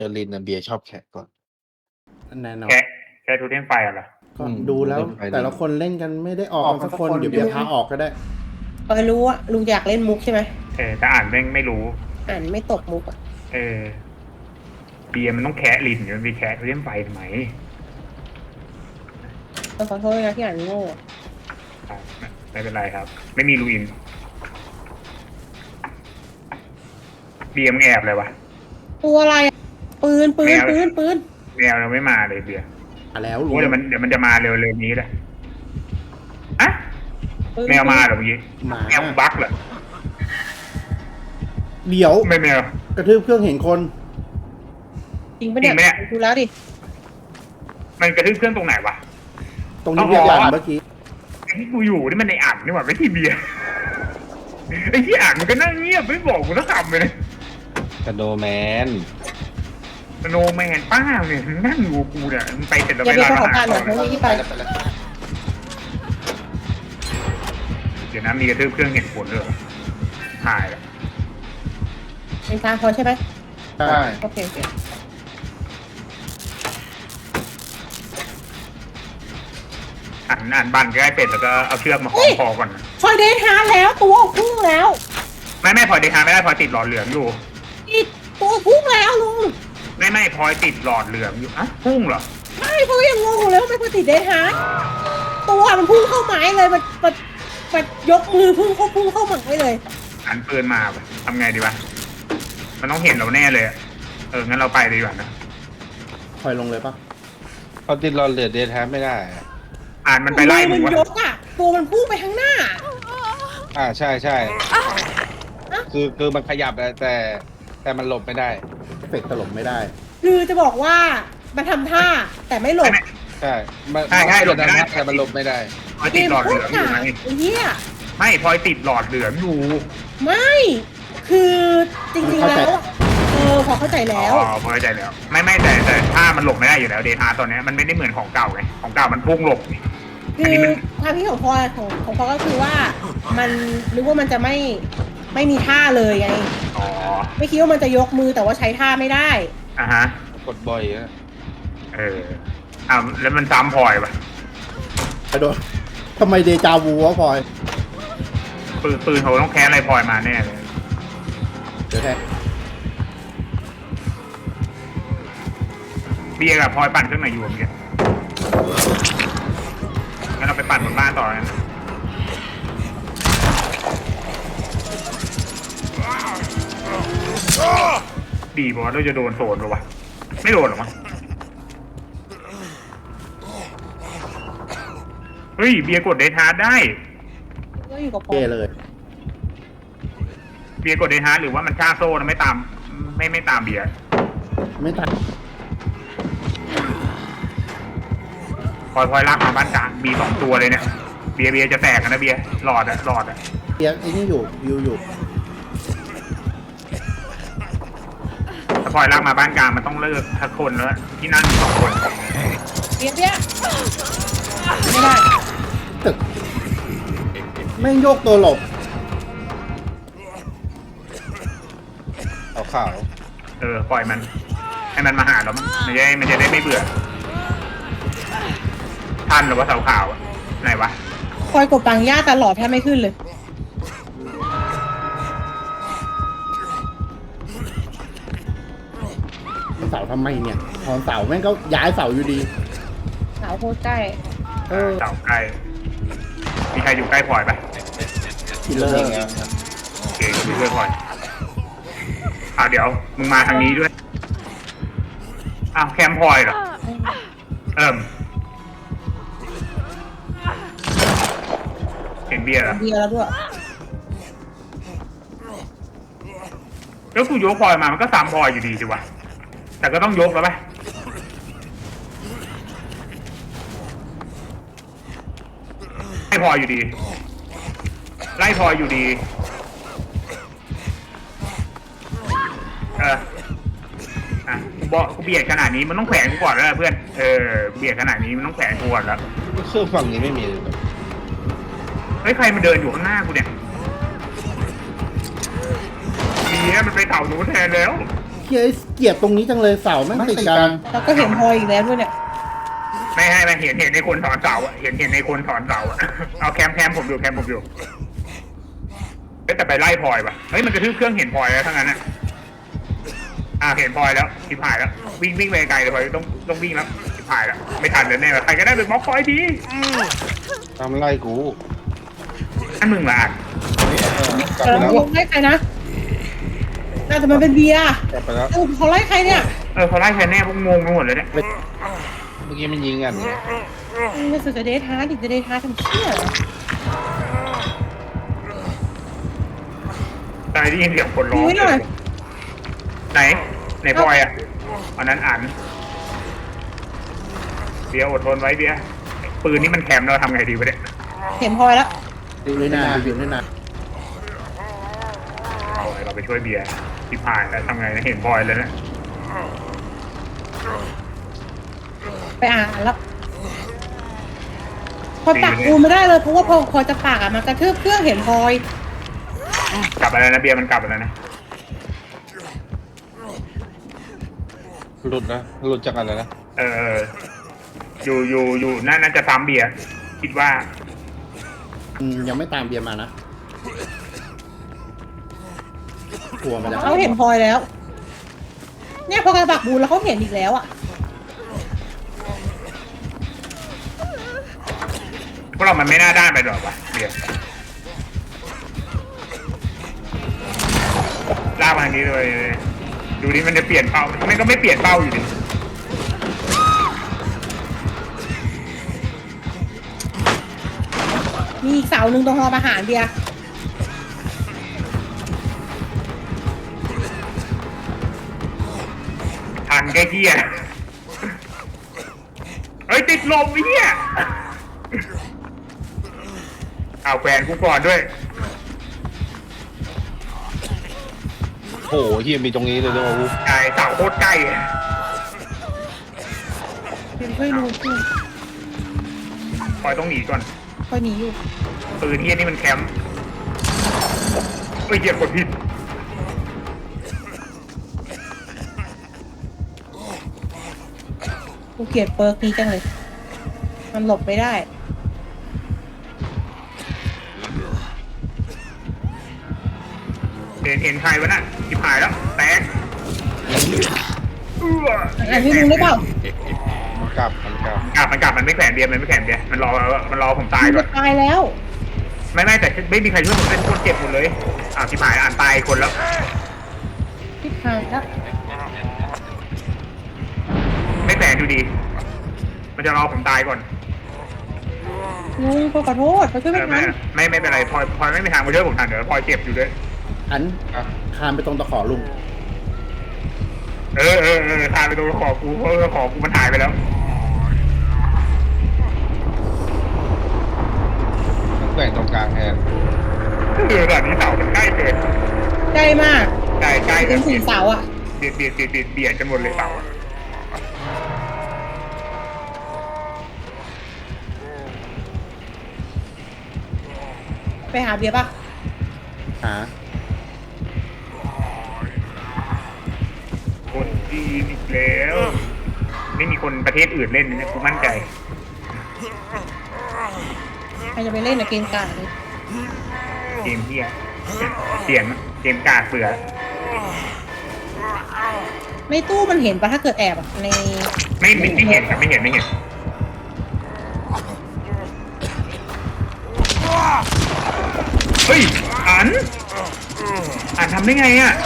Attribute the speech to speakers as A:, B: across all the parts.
A: อร์ลินนะเบียร์ชอบแขกก่อน
B: แน่นอน
C: แค่ทูเทมไฟเหรอ
B: ก็ดูแล้ว
A: เล่นไป
B: แต่ละคนเล่นกันไม่ได้ออกกันสักคนเดี๋ยวเบียร์พาออกก็ได้
D: รู้ว่าลุงอยากเล่นมุกใช่ไหม
C: แต่อ่านแม่งไม่รู้
D: อ่านไม่ตกมุกอ่ะ
C: เบียร์มันต้องแคะลินอยู่มันไปแคะทูเทมไฟทำไม
D: ต้องขอโทษนะที่อ่านโง่
C: ไม่เป็นไรครับ ไม่มีรูอิน เบียร์มึงแอบเลยวะ
D: ตัวอะไรอะปืน
C: แมว
D: ปืน
C: แมวเราไม่มาเลยเบียร์
B: มาแล้ว
C: รู้
B: รู้
C: เดี๋ยวมันจะมาเร็วๆนี้เลยอะ
D: ปืน
C: แมวมาเหรอเมื่อกี้
B: หมา
C: แมวบั๊กเหรอ
B: เดี๋ยว
C: ไม่แมว
B: กระทืบเครื่องเห็นคน
D: จริงปะเนี่ย
C: จริงปะเนี่ย
D: ดูแล้วดิ
C: มันกระทืบเครื่องตรงไหนวะ
B: ตรงนี้เบียร์อ่านเมื่อกี้
C: ไอ้ที่กูอยู่นี่มันในอ่างนี่หว่าไม่ที่เบียร์ไอ้ที่อ่างมันก็นั่งเงียบไม่บอกกูสักคำเลย
A: กระโดแมน
C: โนแมนป้าเนี่ยนั่งอยู่กับกูเนี่ยมันไปเสร็จแล้ว
D: อย่า
C: ไป
D: ไป
C: ร้าน
D: ขอ
C: อาหาร
D: การหน่อยเพราะว่าที่ไป
C: เดี๋ยวนะมีกระทืบเครื่องเห็นผลเลยเหรอถ่ายแล้ว
D: เป็นทางพอใช่ไหม
B: ใช่
D: โอเคโอเค
C: อ่านบันใกล้เป็ดแล้วก็เอาเชือกมาคล้องคอก่อนนะ
D: พอเดทฮาร์แล้วตัวพุ่งแล้ว
C: ไม่พลอยเดทาไม่ได้พลอยติดหลอดเหลืองอยู่
D: อีกตัวพุ่งแล้วลุง
C: ไม่พลอยติดหลอดเหลืองอยู่อะพุ่งเหรอ
D: ไม่เพราะยังงงอยู่เลยว่าไม่พอติดเดทฮาร์ตัวมันพุ่งเข้าไม้เลยมันยกมือพุ่งเข้าไม้เลย
C: หันปืนมาปะทำไงดีวะมันต้องเห็นเราแน่เลยอะงั้นเราไปเลยดีกว่านะ
B: คอยลงเลยปะ
A: เขาติดรอนเหลือเดทแทบไม่ได้อะ
C: อ่านมันไปไล่
D: มื
C: มึ
D: อง มัน
C: วะ
D: ยกอ่ะตัวมันพุ่งไปข้างหน้า
A: ใช่คือมันขยับแต่มันหลบไม่ได้
B: เอฟเฟกต์ตลบไม่ได้
D: คือจะบอกว่ามันทำท่าแต่ไม่หลบ
A: ใช่มัน
C: ใช่
A: หลบได้แต่มันหลบไม่ได้
C: พลอย
D: เก
C: ติด
D: ม
C: หลอด
D: โค
C: เห
D: ต
C: ลื
D: ร
C: องอยู่
D: ขาด
C: ไง
D: ไอ้เหี้ย
C: ไม่พลอยติดหลอดเหลืองอยู่
D: ไม่คือจริงๆแล้วอะพอเข้าใจแล้ว
C: พอเข้าใจแล้ว ไม่แต่ถ้ามันหลบไม่ได้อยู่แล้วเดทาตอนนี้มันไม่ได้เหมือนของเก่าไงของเก่ามันพุ่งหลบนี่
D: คือความคิดของพลอยของพลอยก็คือว่ามันนึกว่ามันจะไม่มีท่าเลยไง
C: อ๋อ
D: ไม่คิดว่ามันจะยกมือแต่ว่าใช้ท่าไม่ได้
C: อ่ะฮะ
A: กดบ่อยอะ
C: แล้วมันซ้ำพลอยปะ
B: กระโดดทำไมเดจาวูวะพลอย
C: ปืนเขาต้องแค้นอะไรพลอยมาแน่เลย
B: เดี๋ยวแทน
C: เบียร์กับพลอยปั่นเครื่องไหนอยู่เมื่อกี้งั้นเราไปปั่นบนบ้านต่อกันดีบอกว่าเราจะโดนโซนหรอวะไม่โดนหรอมั้งเฮ้ยเบียร์กดเดทาร์ดได้
D: ก็อยู่กับพลอ
B: เท่
D: ย
B: เลย
C: เบียร์กดเดทาร์ดหรือว่ามันฆ่าโซ่นะไม่ตามไม่ตามเบียร์
B: ไม่ตัด
C: พลอยลากมาบ้านกลางมี2 ตัวเลยเนี่ยเบียร์จะแตกกันนะเบียร์หลอดอะ
B: เบียร์ไอ้นี่อยู่วิวอยู่
C: ถ้าพลอยลากมาบ้านกลางมันต้องเลิกทักคนแล้วที่นั่งมี2 คน
D: เบี้ยไม่ได้
B: ตึกแม่งโยกตัวหลบ
A: ขาว
C: ปล่อยมันให้มันมาหาเรามันจะได้ไม่เบื่อท่านหรือว่าเสาขาวอะไหนวะ
D: พลอยกดปังย่าตลอดแทบไม่ขึ้นเลย
B: เสาทำไมเนี่ยพอเสาแม่งก็ย้ายเสาอยู่ดี
D: สาวโคตรใกล้
C: เสาใกล้มีใครอยู่ใกล้พลอยปะ
B: คิลเลอ
A: ๆ
B: ร์
A: ยิงแล้ว
C: โอเคอยู่ด้วยพลอยเดี๋ยวมึงมาทางนี้ด้วยแคมป์พลอยเหรอเห็นเบียร์เหรอ
D: เบียร์แล้วด้วย
C: แล้วกูยกพลอยมามันก็ซ้ำพลอยอยู่ดีสิวะแต่ก็ต้องยกแล้วปะไล่พลอยอยู่ดีไล่พลอยอยู่ดีกูเบียดขนาดนี้มันต้องแขวนกูก่อนแล้วเพื่อนเบียดขนาดนี้มันต้องแขวนกูก่อนแล้ว
A: เครื่องฝั่งนี้ไม่มีเลย
C: เฮ้ยใครมันเดินอยู่ข้างหน้ากูเนี่ยดีนะมันไปเต่าหนูแทนแล้ว
B: เกลียดตรงนี้จังเลยเสาแม่งติดกัน
D: แล้วก็เห็นพลอยอีกแล้วด้วยเนี่ย
C: ไม่ให้มันเห็นในคนถอนเสาอะเห็นในคนถอนเสาอะเอาแคมผมอยู่แต่ไปไล่พลอยป่ะเฮ้ยมันกระทืบเครื่องเห็นพลอยแล้วทั้งนั้นอะเห็นพลอยแล้วชิบหายแล้ววิ่งไปไกลเลยพลอยต้องวิ่งแล้วชิบหายแล้วไม่ทันเลยแน่ใครก็ได้ไปบล็อกพลอยดี
A: ทำไล่กู
C: นั่นมึงละอ่ะ
A: กลับ
D: แต่
A: ไป
D: เรา
A: แล้ว
D: ไล่ใครนะน่าจะมันเป็นเบียร์
A: กลับไปแล้ว
D: เขาไล่ใครเนี่ย
C: เขาไล่ใครแน่พวกงงไปหมดเลยเนี่ย
A: เมื่อกี้มันยิงกัน
D: ไม่สุดจะเดทฮาร์ดจะเดทฮาร์ดทำเชี่ยเหรอ
C: ตายได้ยินเสียงคนร้อง
D: ดูไว้หน่อย
C: ไหนพลอยอ่ะอันนั้นอ่านเบียร์อดทนไว้เบียร์ปืนนี่มันแคมเราทำไงดีวะเนี่ย
D: เห็นพลอยแล้ว
B: อยู่เลยนะอยู่เลยนะ
C: เอาไงเราไปช่วยเบียร์ที่ผ่านแล้วทำไงนะเห็นพลอยเลยนะ
D: ไปอ่านแล้วพอปักกูไม่ได้เลยเพราะว่าพอจะปากอ่ะมันกระทืบเครื่องเห็นพลอย
C: กลับไปแล้วนะเบียร์มันกลับไปแล้วนะ
A: หลุดนะหลุดจากอะไรนะ
C: อยู่น่าจะซ้ำเบียร์คิดว่า
B: ยังไม่ตามเบียร์มานะกลัวมันจะ
D: เขาเห็นพลอยแล้ว เนี่ยพอกระปักบูนแล้วเขาเห็นอีกแล้วอ่ะ
C: พวกเรามันไม่น่าด้านไปหรอกวะเบียร์ลากมาทางนี้เลยดูนี่มันจะเปลี่ยนเป้ามันก็ไม่เปลี่ยนเป้าอยู่ดิ
D: มีอีกเสาหนึ่งตรงหออาหารเบียร์
C: ทันแค่เหี้ยเฮ้ยติดลมไอ้เหี้ยเอาแฟนกูก่อนด้วย
A: โอ้โหเฮียมีตรงนี้เลยด้วยกู
C: ไก่เสาโคตรใกล้
D: เป็นช่วยดูกู
C: พลอยต้องหนีก่อน
D: คอยหนีอยู่
C: ปืนเหี้ยนี่มันแคมป์เหยียบกดผิด
D: กูเกลียดเปิร์กนี้จังเลย มันหลบไม่ได้
C: เห็นใครวะน่ะจิบหายแล้วแตก
D: อ่านให้มึงได้เปล่า
A: มันกลับ
C: มันไม่แขวนเบียร์มันไม่แขวนเบียร์มันรอผมตาย
D: มึง
C: ก่อ
D: จะ
C: น
D: ตายแล้ว
C: ไม่แต่ไม่มีใครช่วยผมเป็นคนเจ็บหมดเลยจิบหายอ่านตายคนแล้ว
D: พิษหายแล้ว
C: ไม่แขวนอยู่ดี มันจะรอผมตายก่อน
D: ลุงขอโทษเขาช่วยไม่ทัน
C: ไม่เป็นไรพลอยไม่มีทางมาช่วยผมทันเดี๋ยวพลอยเจ็บอยู่ด้วย
B: อันคานไปตรงตะขอลุง
C: ทานไปตรงขอกูเพราะขอกูมันหายไปแล้ว
A: แบ่งตรงกลางแทน
C: ตอนนี้เสามันใกล้เกิน
D: ใกล้มาก
C: ใกล้
D: ถึงสี่เสาอ่ะ
C: เบียดกันหมดเลยเสา
D: ไปหาเบียร์ป่ะ
B: หา
C: คนจีนอีกแล้ว ไม่มีคนประเทศอื่นเล่นนะกูมั่นใจ
D: ใครจะไปเล่นในเกมการ์ดเลย
C: เกมเฮียเสียงเกมกากเสือ
D: ในตู้มันเห็นปะถ้าเกิดแอบอ่ะใน
C: ไม่เห็นครับไม่เห็นเฮ้ยอ่านทำได้ไงอ่ะ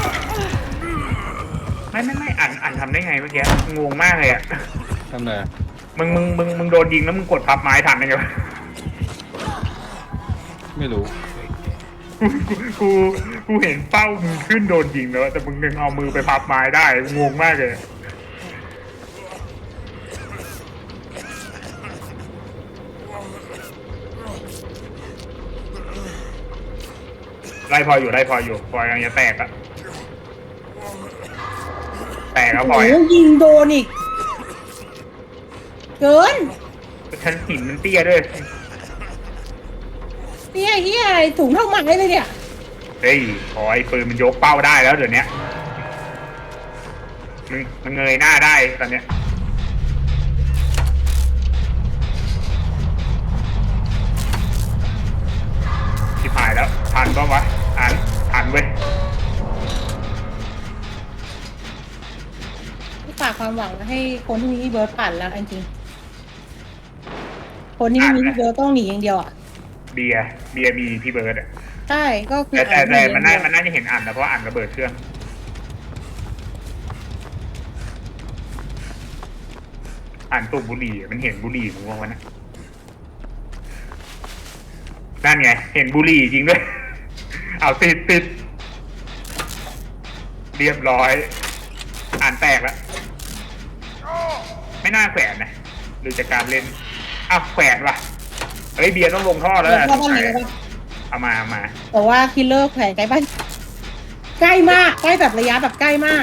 C: ไม่อ่านทำได้ไงเมื่อกี้งงมากเลยอ่ะ
A: ทำไง
C: มึงโดนยิงแล้วมึงกดพับไม้ทันได้ไงวะ
A: ไม่รู้
C: กูเห็นเป้ามึงขึ้นโดนยิงแล้วแต่มึงยังเอามือไปพับไม้ได้งงมากเลยไล่พออยู่พอยังจะแตกอะแตกแล้วพอ
D: โอ้ยิงโดนอีก เกิน
C: ชั้นหินมันเตี้ยด้วย
D: เนี่ยเฮียอะไรถุงเท่าไม้เลยเนี่ย
C: เฮ้ยพอไอ้ปืนมันยกเป้าได้แล้วเดี๋ยวนี้มันเงยหน้าได้ตอนเนี้ยที่ผ่ายแล้วทันปะวะทันเว้ย
D: ฝากความหวังให้คนที่มีพี่เบิร์ดปั่นแล้วจริงๆคนที่ไม่มีพี่เบิร์ดต้องหนีอย่างเดียวอ่ะ
C: เบียร์มีพี่เบิร์ดอ่ะ
D: ใช่ก็คือ
C: แต่มันน่าจะเห็นอันนะเพราะว่าอันระเบิดเครื่องอันสูบบุหรี่มันเห็นบุหรี่มึงว่าวันนั้นนั่นไงเห็นบุหรี่จริงด้วย เอาติดเรียบร้อยอ่านแตกแล้วไม่น่าแขวนนะหรือจากการเล่นแขวนว่ะเฮ้ยเบียร์ต้องลงท่อแล้ว
D: แล้วก็ต้องหนีแล้ว
C: เอามา
D: แต่ว่าคิลเลอร์แขวนใกล้บ้านใกล้มากใกล้แบบระยะแบบใกล้มาก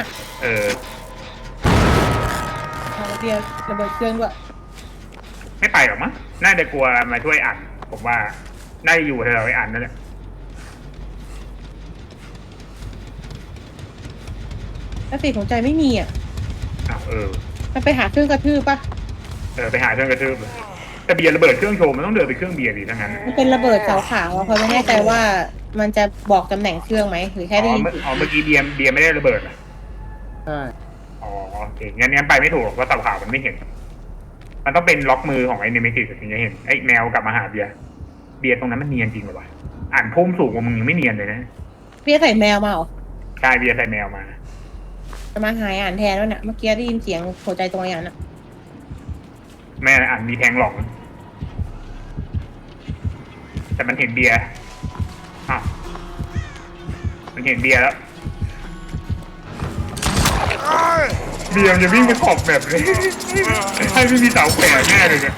D: เอาเบียร์ระเบิดเครื่องด้วย
C: ไม่ไปหรอกมั้งน่าจะกลัวมาช่วยอ่านผมว่าน่าจะอยู่แถวๆไอ้อ่านนั่นแหละ
D: ถ้าติดของใจไม่มีอ่ะ มันไปหาเครื่องกระทืบปะ
C: ไปหาเครื่องกระทืบเลยแต่เบียร์ระเบิดเครื่องโชว์มันต้องเดินไปเครื่องเบียร์ดิทั้งนั้น
D: มันเป็นระเบิดขาวๆอะเพราะไม่แน่ใจว่ามันจะบอกตำแหน่งเครื่องไหมหรือแค่ได้ยิน
C: เมื่อกี้เบียร์ไม่ได้ระเบิดอ่ะ
B: ใช่
C: โอเคงั้นไปไม่ถูกเพราะเสาขาวมันไม่เห็น มันต้องเป็นล็อกมือของไอ้เนมิติถึงจะเห็นไอ้แมวกลับมาหาเบียร์ตรงนั้นมันเนียนจริงเหรอวะอ่านพุ่มสูงกว่ามึงยังไม่เนียนเลยนะ
D: เบียร์ใส่แมวมาเหรอ
C: ใช่เบียร์ใส่แมวมา
D: จะมาหายอ่านแทนแล้วเนี่ยเมื่อกี้ได้ยินเสียงหัวใจตรงอย่างน่ะ
C: แม่อ่านมีแทงหลอกนะแต่มันเห็นเบียร์มันเห็นเบียร์แล้วเบียร์จะวิ่งไปขอบแบบเลยให้ไม่มีเสาแขวนแน่เลยเนี่ย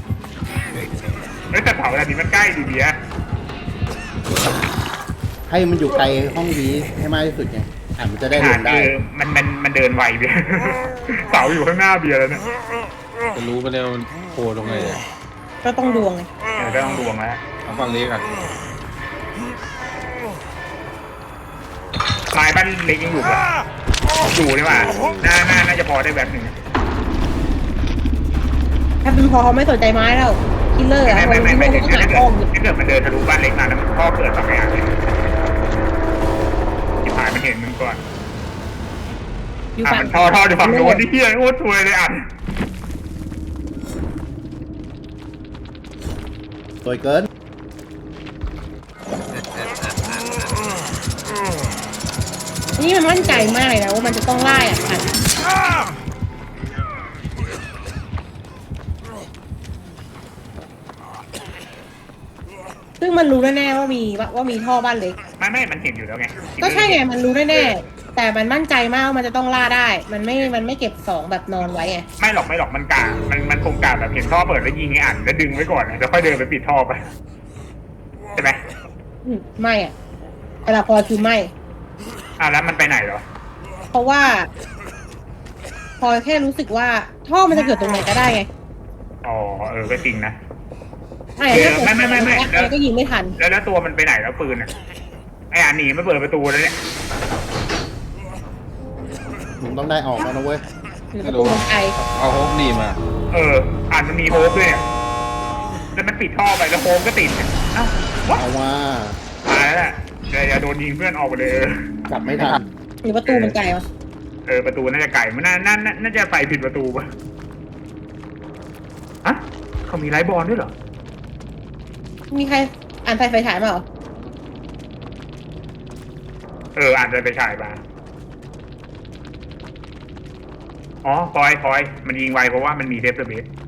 C: แต่เสาแบบนี้มันใกล้ดีเบียร์
B: ให้มันอยู่ไกลห้องนี้ให้มากที่สุดไงมันจะได้ลงได้
C: มันเดินไวเบียร์เสาอยู่ข้างหน้าเบียร์แล้วเนี่ย
A: จะรู้ไปแล้วมันโผล่ตรงไหนอะ
D: ก็ต้องดวงไง
C: ก็ต้องดวงแล้ว
A: เอาฝั่งนี้กัน
C: ไม้บ้านเล็กยังอยู่ปะอยู่นี่หว่าน่าจะพอได้แบบหนึ่ง
D: ถ้าเป็นพอเขาไม่สนใจไม้แล้วคิลเลอร์อะ
C: ไม่ถึง
D: หาอ้อมอยู่
C: ถ้าเกิดมันเดินทะลุบ้านเล็กมาแล้วมันพ่อเกิดสองอย่างเลยที่ผ่านมันเห็นมึงก่อน
D: อยู่ฝั่ง
C: มันท่ออยู่ฝั่งโน้นที่เฮียโคตรซวยเลยอ่ะ
B: สวยเกิน
D: นี่มันมั่นใจมากเลยนะว่ามันจะต้องไล่อ่ะค่ะซึ่งมันรู้แน่ๆว่ามีท่อบ้านเล็ก
C: ไม่มันเห็นอยู่แล้วไง
D: ก็ใช่ไงมันรู้แน่ๆแต่มันมั่นใจมากว่ามันจะต้องล่าได้ มันไม่เก็บสองแบบนอนไว้ไง
C: ไม่หรอกมันกามันคงกาแบบเห็นท่อเปิดแล้วยิงไอ้อ่านแล้วดึงไว้ก่อนแล้วค่อยเดินไปปิดท่อไปใช่ไหม
D: ไม่อ่ะเวลาพอคือไม่
C: แล้วมันไปไหนเหรอ
D: เพราะว่า พอแค่รู้สึกว่าท่อมันจะเกิดตรงไหนก็ได้ไง
C: ก็จริงนะ
D: ใช่ถ้าเกิด
C: ไม่
D: แล้วก็ยิงไม่ทัน
C: แล้วตัวมันไปไหนแล้วปืนอ่ะไอ้อ่านหนีมาเปิดประตูแล้วเนี่ย
B: มึงต้องได้ออกแล้วนะเว้ย
D: หรือประตูมันไกล
A: เอาโฮปดีมา
C: อ่านมันมีโฮปด้วยเนี่ยแล้วมันปิดท่อไปแล้วโฮปก็ติดเอ้า
B: เอาว่า
C: ตายแล้วแหละอย่าโดนยิงเพื่อนออกไปเลย
B: กลับไม่ทัน
D: หรือประตูมันไกลวะ
C: ประตูน่าจะไก่มันน่าจะไปผิดประตูป่ะเขามีไลท์บอลด้วยเหรอ
D: มีใครอ่านไฟฉายมาเหรอ
C: อ่านไปฉายมาพอยมันยิงไวเพราะว่ามันมีเทปเบส